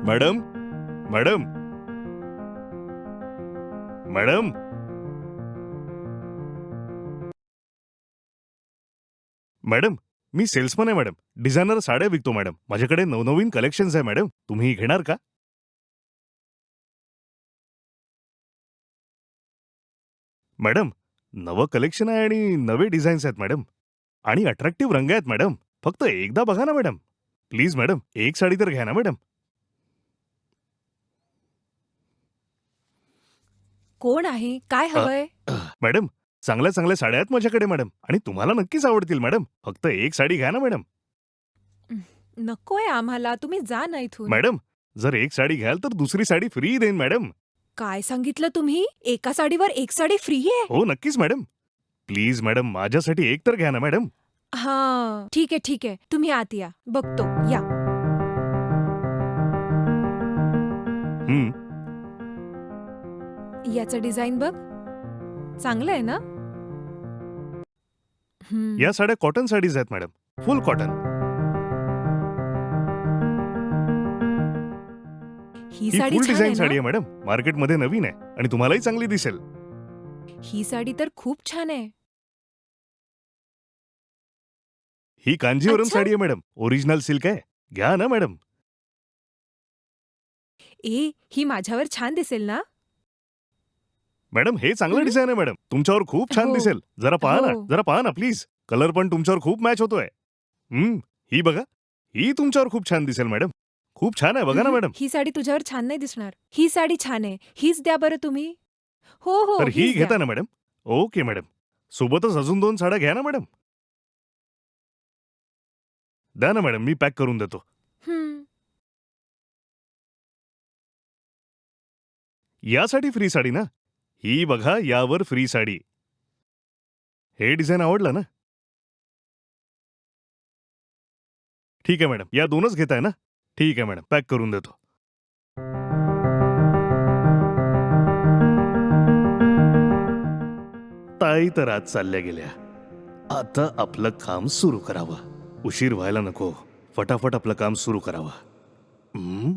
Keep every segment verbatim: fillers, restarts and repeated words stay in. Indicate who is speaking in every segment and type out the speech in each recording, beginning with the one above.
Speaker 1: Madam madam madam madam मी salesman आहे madam. Designer साड्या विकतो मॅडम. माझ्याकडे नवनवीन कलेक्शन्स आहे मॅडम. तुम्ही घेणार का? मॅडम नवं कलेक्शन आहे आणि नवे डिझाईन्स आहेत मॅडम आणि अट्रॅक्टिव्ह रंग आहेत मॅडम. फक्त एकदा बघा ना मॅडम. प्लीज मॅडम एक साडी तर घ्या ना मॅडम.
Speaker 2: कोण आहे? काय
Speaker 1: अ,
Speaker 2: हवंय?
Speaker 1: मॅडम चांगल्या चांगल्या साड्या आहेत माझ्याकडे मॅडम आणि तुम्हाला नक्कीच आवडतील मॅडम. फक्त एक साडी घ्या ना मॅडम.
Speaker 2: नकोय आम्हाला. तुम्ही जा ना इथून.
Speaker 1: मॅडम जर एक साडी घ्याल तर दुसरी साडी फ्री देईन मॅडम.
Speaker 2: काय सांगितलं तुम्ही? एका साडीवर एक साडी फ्री आहे?
Speaker 1: हो नक्कीच मॅडम. प्लीज मॅडम माझ्यासाठी एक तर घ्या ना मॅडम.
Speaker 2: हां, ठीक आहे, ठीक आहे. तुम्ही आत या. बघतो. या.
Speaker 1: हं,
Speaker 2: याचं डिझाईन बघ. चांगलं आहे ना? हं.
Speaker 1: या साड्या कॉटन साडीज आहेत मॅडम. Full cotton.
Speaker 2: ही
Speaker 1: ही
Speaker 2: साडी
Speaker 1: फुल
Speaker 2: छान
Speaker 1: डिझाईन
Speaker 2: आहे
Speaker 1: साडी आहे
Speaker 2: ना?
Speaker 1: मॅडम. मार्केटमध्ये नवीन आहे आणि तुम्हालाही चांगली दिसेल.
Speaker 2: ही साडी तर खूप छान आहे.
Speaker 1: ही कांजीवरम
Speaker 2: अच्छा.
Speaker 1: साडी आहे मॅडम. ओरिजिनल सिल्क आहे. घ्या ना मॅडम.
Speaker 2: ए, ही माझ्यावर छान दिसेल ना?
Speaker 1: मॅडम हे चांगलं
Speaker 2: हं?
Speaker 1: डिझाईन आहे मॅडम. तुमच्यावर खूप छान
Speaker 2: हो.
Speaker 1: दिसेल. जरा पहा ना
Speaker 2: हो.
Speaker 1: जरा पहा ना प्लीज. कलर पण तुमच्यावर खूप मॅच होतोय. हं, ही बघा. ही तुमच्यावर खूप छान दिसेल मॅडम. खूप छान आहे बघा ना
Speaker 2: उहुं,
Speaker 1: मॅडम.
Speaker 2: ही साडी तुझ्यावर छान नाही दिसणार. ही साडी छान आहे. हीच द्या बरं तुम्ही. हो, हो,
Speaker 1: तर ही
Speaker 2: हीच द्या.
Speaker 1: घेता ना मॅडम? Okay madam. सोबतच अजून दोन साड्या घ्या ना मॅडम. द्या ना मॅडम मी पॅक करून देतो.
Speaker 2: हं.
Speaker 1: यासाठी फ्री साडी ना? ही बघा यावर फ्री साडी. हे डिझाईन आवडलं ना? ठीक आहे मॅडम. या दोनच घेताय ना? ठीक आहे मॅडम पॅक करून देतो. ताई तर आज चालल्या गेल्या. आता आपलं काम सुरू करावं. उशीर व्हायला नको. फटाफट आपलं काम सुरू करावं. हं?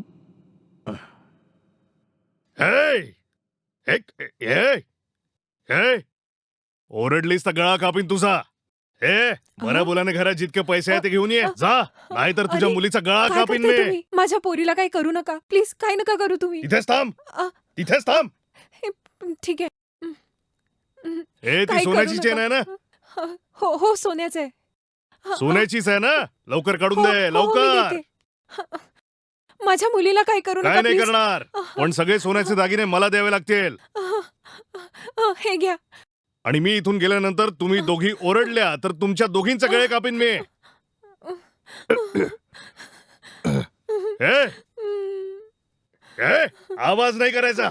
Speaker 1: हे! एक हे! हे! ओरडलीस तर गळा कापीन तुझा. हे बऱ्या
Speaker 2: अ?
Speaker 1: बोलाने घरात जितके पैसे
Speaker 2: अ,
Speaker 1: आहेत ते घेऊन ये.
Speaker 2: अ,
Speaker 1: जा नाहीतर तुझ्या
Speaker 2: अरे,
Speaker 1: मुलीचा गळा
Speaker 2: काय
Speaker 1: कापीन
Speaker 2: करताय
Speaker 1: मी.
Speaker 2: तुम्ही? माझ्या पोरीला काही करू नका. प्लीज काही नका करू तुम्ही.
Speaker 1: तिथेच थांब.
Speaker 2: अ,
Speaker 1: तिथेच
Speaker 2: अ,
Speaker 1: थांब.
Speaker 2: हे, ठीक आहे. हं, हं,
Speaker 1: हे ती
Speaker 2: काही करू
Speaker 1: सोन्याची चेन
Speaker 2: नका.
Speaker 1: आहे ना?
Speaker 2: अ, हो, हो, सोन्याचं आहे. हं, अ,
Speaker 1: सोन्याचीच आहे ना? लवकर काढून
Speaker 2: हो,
Speaker 1: दे
Speaker 2: हो, हो, मी
Speaker 1: लवकर.
Speaker 2: देते. हं, माझ्या मुलीला काही करू
Speaker 1: काय
Speaker 2: नका
Speaker 1: नाही
Speaker 2: प्लीज.
Speaker 1: करणार. पण सगळे सोन्याचे दागिने मला द्यावे लागतील.
Speaker 2: हे घ्या.
Speaker 1: आणि मी इथून गेल्यानंतर तुम्ही दोघी ओरडल्या तर तुमच्या दोघींचे गळे कापीन मी. हे हे आवाज नाही करायचा.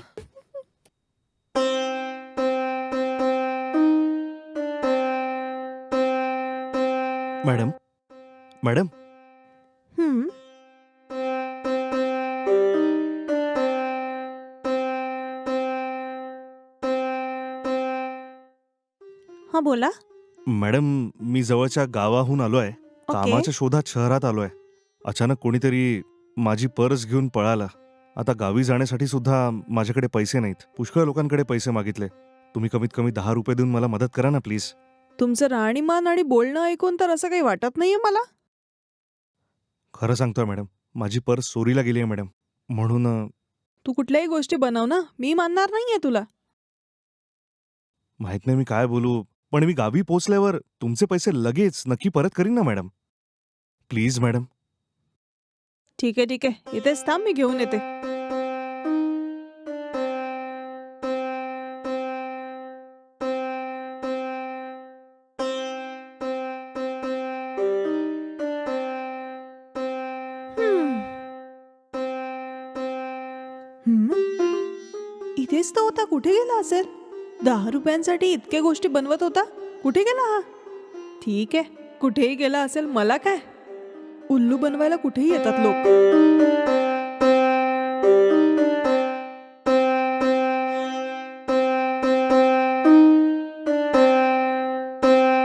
Speaker 1: मॅडम मॅडम
Speaker 3: हं. हां, बोला.
Speaker 1: मॅडम मी जवळच्या गावाहून आलोय.
Speaker 3: ओके.
Speaker 1: कामाच्या शोधात शहरात आलोय. अचानक कोणीतरी माझी पर्स घेऊन पळाला. आता गावी जाण्यासाठी सुद्धा माझ्याकडे पैसे नाहीत. पुष्कळ लोकांकडे पैसे मागितले. तुम्ही कमीत कमी दहा रुपये देऊन मला मदत करा ना प्लीज.
Speaker 3: तुमचं राहणीमान आणि बोलणं ऐकून तर असं काही वाटत नाहीये मला.
Speaker 1: खरं सांगतोय मॅडम. माझी पर्स चोरीला गेली आहे मॅडम. म्हणून अ,
Speaker 3: तू कुठल्याही गोष्टी बनव ना, मी मानणार नाहीये तुला.
Speaker 1: माहित नाही मी काय बोलू. पण मी गावी पोहोचल्यावर तुमचे पैसे लगेच नक्की परत करीन ना मॅडम. Please madam.
Speaker 3: ठीक आहे, ठीक आहे. इथेच थांब, मी घेऊन येते. हं. हं? इथेच तर होता. कुठे गेला असेल? दहा रुपयांसाठी इतक्या गोष्टी बनवत होता. कुठे गेला हा? ठीक आहे, कुठेही गेला असेल, मला काय. उल्लू बनवायला कुठेही येतात लोक.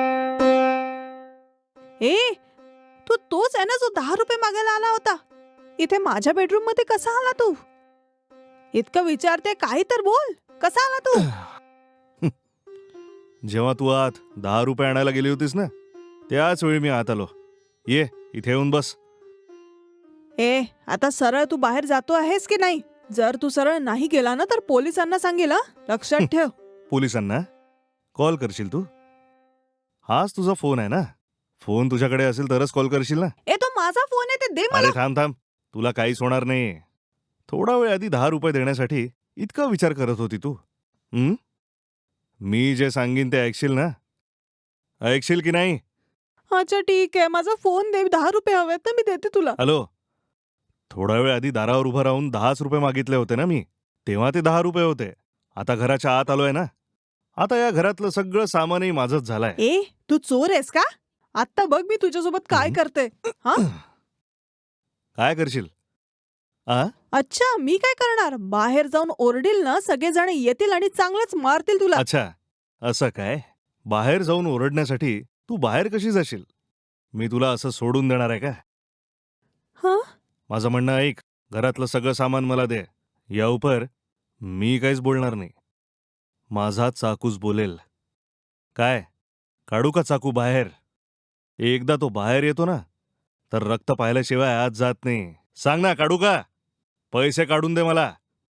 Speaker 3: ए, तू तोच आहे ना जो दहा रुपये मागायला आला होता? इथे माझ्या बेडरूम मध्ये कसा आला तू? इतकं विचारते काही तर बोल. कसा आला तू?
Speaker 1: जेव्हा तू आत दहा रुपये आणायला गेली होतीस ना, त्याच वेळी मी आत आलो. ये इथे येऊन बस.
Speaker 3: ए आता सरळ तू बाहेर जातो आहेस की नाही? जर तू सरळ नाही गेला ना तर पोलिसांना सांगेल हं? लक्षात ठेव.
Speaker 1: पोलिसांना कॉल करशील तू? हाच तुझा फोन आहे ना? फोन तुझ्याकडे असेल तरच कॉल करशील ना?
Speaker 3: ए तो माझा फोन आहे, ते दे मला.
Speaker 1: अरे थांब थांब, तुला काहीच होणार नाही. थोडा वेळ आधी दहा रुपये देण्यासाठी इतका विचार करत होती तू. हं? मी जे सांगीन ते ऐकशील ना? ऐकशील की नाही?
Speaker 3: अच्छा ठीक आहे, माझा फोन दे. दहा रुपये हवेत ना, मी देते तुला.
Speaker 1: हॅलो, थोडा वेळ आधी दारावर उभं राहून दहाच रुपये मागितले होते ना मी. तेव्हा ते दहा रुपये होते. आता घराच्या आत आलोय ना, आता या घरातलं सगळं सामानही माझंच झालंय.
Speaker 3: ए तू चोर आहेस का? आता बघ मी तुझ्यासोबत काय
Speaker 1: हं?
Speaker 3: करते. हा
Speaker 1: काय करशील? आ
Speaker 3: अच्छा मी काय करणार? बाहेर जाऊन ओरडील ना, सगळेजण येतील आणि चांगलंच मारतील तुला.
Speaker 1: अच्छा, असं काय? बाहेर जाऊन ओरडण्यासाठी तू बाहेर कशी जाशील? मी तुला असं सोडून देणार आहे का?
Speaker 3: हं?
Speaker 1: माझं म्हणणं ऐक, घरातलं सगळं सामान मला दे. या उपर मी काहीच बोलणार नाही. माझा चाकूच बोलेल. काय, काढू का चाकू बाहेर? एकदा तो बाहेर येतो ना, तर रक्त पाहिल्याशिवाय आत जात नाही. सांग ना, काढू का? पैसे काढून दे मला.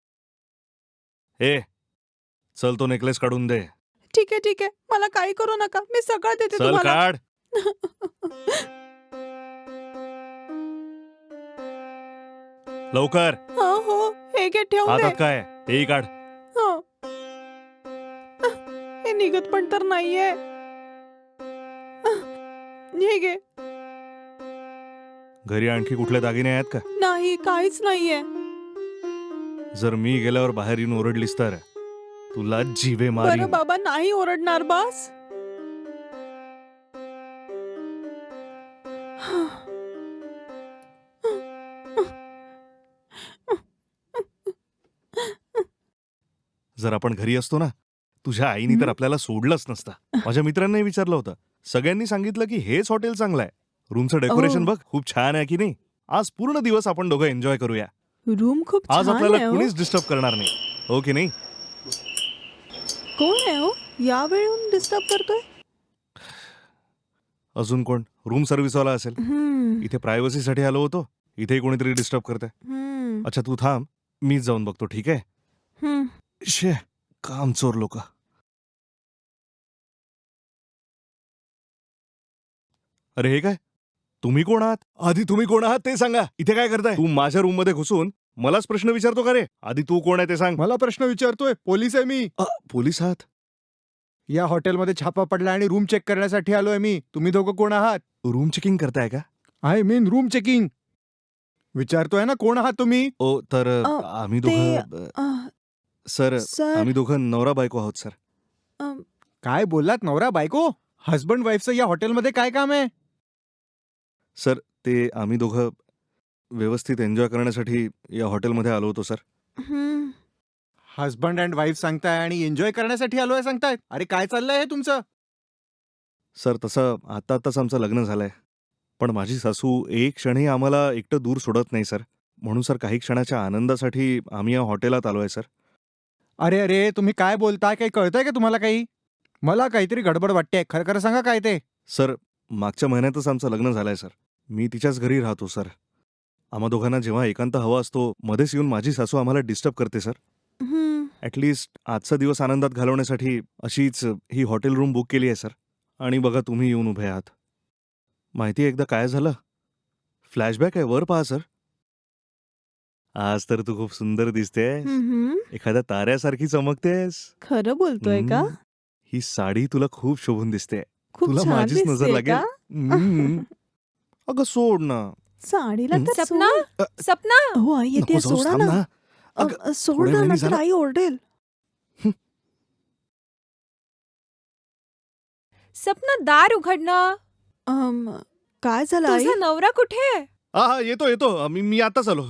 Speaker 1: ए चल, तो नेकलेस काढून दे.
Speaker 3: ठीक आहे ठीक आहे, मला काही करू नका, मी सगळं देते
Speaker 1: चल
Speaker 3: तुम्हाला.
Speaker 1: काढ. लवकर.
Speaker 3: हो हो हे घे, ठेवून दे.
Speaker 1: हातात काय? तेही काढ.
Speaker 3: हं. हे निघत पण तर नाहीये. हे घे.
Speaker 1: घरी आणखी कुठले दागिने आहेत का?
Speaker 3: नाही काहीच नाहीये.
Speaker 1: जर मी गेल्यावर बाहेर येऊन ओरडलीस तर तुला जीवे
Speaker 3: बरं
Speaker 1: मारीन.
Speaker 3: बाबा नाही ओरडणार बस.
Speaker 1: जर आपण घरी असतो ना, तुझ्या आईनी तर
Speaker 3: हं?
Speaker 1: आपल्याला सोडलंच नसतं. माझ्या मित्रांनाही विचारलं होतं. सगळ्यांनी सांगितलं की हेच हॉटेल चांगलं आहे. रूमचं डेकोरेशन
Speaker 3: ओह.
Speaker 1: बघ, खूप छान आहे की नाही? आज पूर्ण दिवस आपण दोघं एन्जॉय करूया.
Speaker 3: रूम खूप
Speaker 1: आज
Speaker 3: छान
Speaker 1: आपल्याला
Speaker 3: आहे हो.
Speaker 1: कुणीच डिस्टर्ब करणार नाही, हो की नाही?
Speaker 3: कोण आहे हो या वेळून डिस्टर्ब करतोय?
Speaker 1: अजून कोण? रूम सर्व्हिसवाला असेल.
Speaker 3: हम्म,
Speaker 1: इथे प्रायव्हसीसाठी आलो होतो, इथे कोणीतरी डिस्टर्ब करतंय.
Speaker 3: हम्म,
Speaker 1: अच्छा तू थांब, मीच जाऊन बघतो, ठीक आहे?
Speaker 3: हम्म.
Speaker 1: शे, कामचोर लोक. अरे हे काय? तुम्ही कोण आहात? आधी तुम्ही कोण आहात ते सांगा. इथे काय करताय? तू माझ्या रूम मध्ये घुसून मलाच प्रश्न विचारतो का रे? आधी तू कोण आहे ते सांग.
Speaker 4: मला प्रश्न विचारतोय? पोलीस आहे मी.
Speaker 1: अ, पोलीस आहात?
Speaker 4: या हॉटेलमध्ये छापा पडला आणि रूम चेक करण्यासाठी आलोय मी. तुम्ही दोघं कोण आहात?
Speaker 1: रूम चेकिंग करताय का?
Speaker 4: I mean room checking. विचारतोय ना कोण आहात तुम्ही?
Speaker 1: ओ तर
Speaker 3: अ,
Speaker 1: आम्ही
Speaker 3: ते
Speaker 1: दोघं
Speaker 3: अ,
Speaker 1: सर
Speaker 3: सर
Speaker 1: आम्ही दोघं नवरा बायको आहोत सर.
Speaker 3: अ,
Speaker 4: काय बोललात? नवरा बायको? हस्बंड वाईफचं या हॉटेलमध्ये काय काम आहे?
Speaker 1: सर ते आम्ही दोघं व्यवस्थित एन्जॉय करण्यासाठी या हॉटेलमध्ये आलो होतो सर.
Speaker 3: हम्म.
Speaker 4: हस्बंड अँड वाईफ सांगताय आणि एन्जॉय करण्यासाठी आलोय सांगताय. अरे काय चाललंय हे तुमचं?
Speaker 1: सर तसं आता आताच आमचं लग्न झालंय, पण माझी सासू एक क्षणही आम्हाला एकटं दूर सोडत नाही सर. म्हणून सर काही क्षणाच्या आनंदासाठी आम्ही या हॉटेलात आलोय सर.
Speaker 4: अरे अरे तुम्ही काय बोलताय? काही कळतंय का तुम्हाला काही? मला काहीतरी गडबड वाटते. खरं खरं सांगा काय ते?
Speaker 1: सर मागच्या महिन्यातच आमचं लग्न झालंय सर. मी तिच्याच घरी राहतो सर. आम्हा दोघांना जेव्हा एकांत हवा असतो, मध्येच येऊन माझी सासू आम्हाला डिस्टर्ब करते सर.
Speaker 3: हम्म.
Speaker 1: ॲटलिस्ट आजचा दिवस आनंदात घालवण्यासाठी अशीच ही हॉटेल रूम बुक केली आहे सर. आणि बघा तुम्ही येऊन उभे आहात. माहिती आहे एकदा काय झालं? फ्लॅशबॅक आहे, वर पहा सर. आज तर तू खूप सुंदर दिसतेस.
Speaker 3: हम्म.
Speaker 1: एखाद्या ताऱ्यासारखी चमकतेस.
Speaker 3: खरं बोलतोय का?
Speaker 1: हम्म. ही साडी तुला खूप शोभून दिसते.
Speaker 3: खूप
Speaker 1: तुला
Speaker 3: छान
Speaker 1: माझीच नजर
Speaker 3: दिसतेय
Speaker 1: लागेल.
Speaker 3: का?
Speaker 1: हम्म. अगं सोड ना.
Speaker 3: साडीला
Speaker 1: हं?
Speaker 3: तर
Speaker 2: सपना
Speaker 3: सोड.
Speaker 2: सपना
Speaker 3: हो आई येते,
Speaker 1: नको जाऊस,
Speaker 3: सोडा
Speaker 1: थांब
Speaker 3: ना.
Speaker 1: ना.
Speaker 3: अ,
Speaker 1: अगं,
Speaker 3: अ, सोड
Speaker 1: थोड्या
Speaker 3: ना,
Speaker 1: वेळाने
Speaker 3: नाहीतर
Speaker 1: झालं.
Speaker 3: आई ओरडेल.
Speaker 2: सपना दार उघडणं.
Speaker 3: अम, काय झालं आई?
Speaker 2: तुझा नवरा कुठे?
Speaker 1: हा हा येतो येतो मी मी आताच आलो.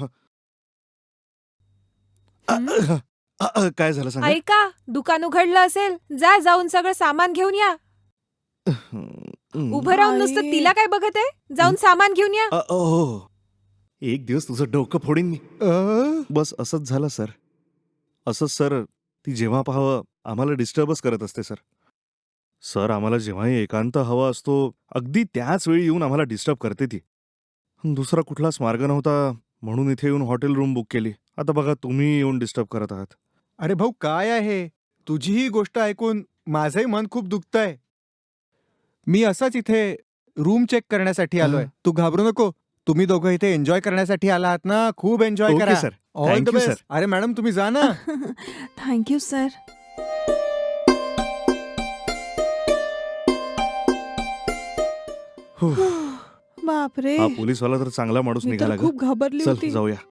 Speaker 1: अ,
Speaker 3: हं?
Speaker 1: अ, अ, काय झालं सांगा.
Speaker 2: ऐका, दुकान उघडलं असेल, जा जाऊन सगळं सामान घेऊन या.
Speaker 1: हं,
Speaker 2: उभं राहून नुसतं
Speaker 3: आई.
Speaker 2: तिला काय बघत आहे? जाऊन सामान घेऊन या.
Speaker 1: अ, ओ, हो. एक दिवस तुझं डोकं फोडीन मी.
Speaker 4: अ?
Speaker 1: बस असंच झालं सर. असंच सर, ती जेव्हा पाहावं आम्हाला डिस्टर्बच करत असते सर. सर आम्हाला जेव्हाही एकांत हवा असतो अगदी त्याच वेळी येऊन आम्हाला डिस्टर्ब करते ती. दुसरा कुठलाच मार्ग नव्हता म्हणून इथे येऊन हॉटेल रूम बुक केली. आता बघा तुम्ही येऊन डिस्टर्ब करत आहात.
Speaker 4: अरे भाऊ काय आहे, तुझी ही गोष्ट ऐकून माझंही मन खूप दुखतंय. मी असंच इथे रूम चेक करण्यासाठी आलोय.
Speaker 1: हं.
Speaker 4: तू घाबरू नको. तुम्ही दोघं इथे एन्जॉय करण्यासाठी आला आहात ना, खूप एन्जॉय
Speaker 1: ओके
Speaker 4: करा.
Speaker 1: Sir.
Speaker 4: All the
Speaker 1: thank you
Speaker 4: best.
Speaker 1: Sir.
Speaker 4: अरे मॅडम तुम्ही जा ना.
Speaker 3: Thank you sir.
Speaker 1: हुफ.
Speaker 3: बापरे,
Speaker 1: हा पोलीसवाला तर चांगला माणूस
Speaker 3: मी
Speaker 1: निघाला
Speaker 3: तर
Speaker 1: ग.
Speaker 3: खूप घाबरली
Speaker 1: चल
Speaker 3: होती.
Speaker 1: जाऊया.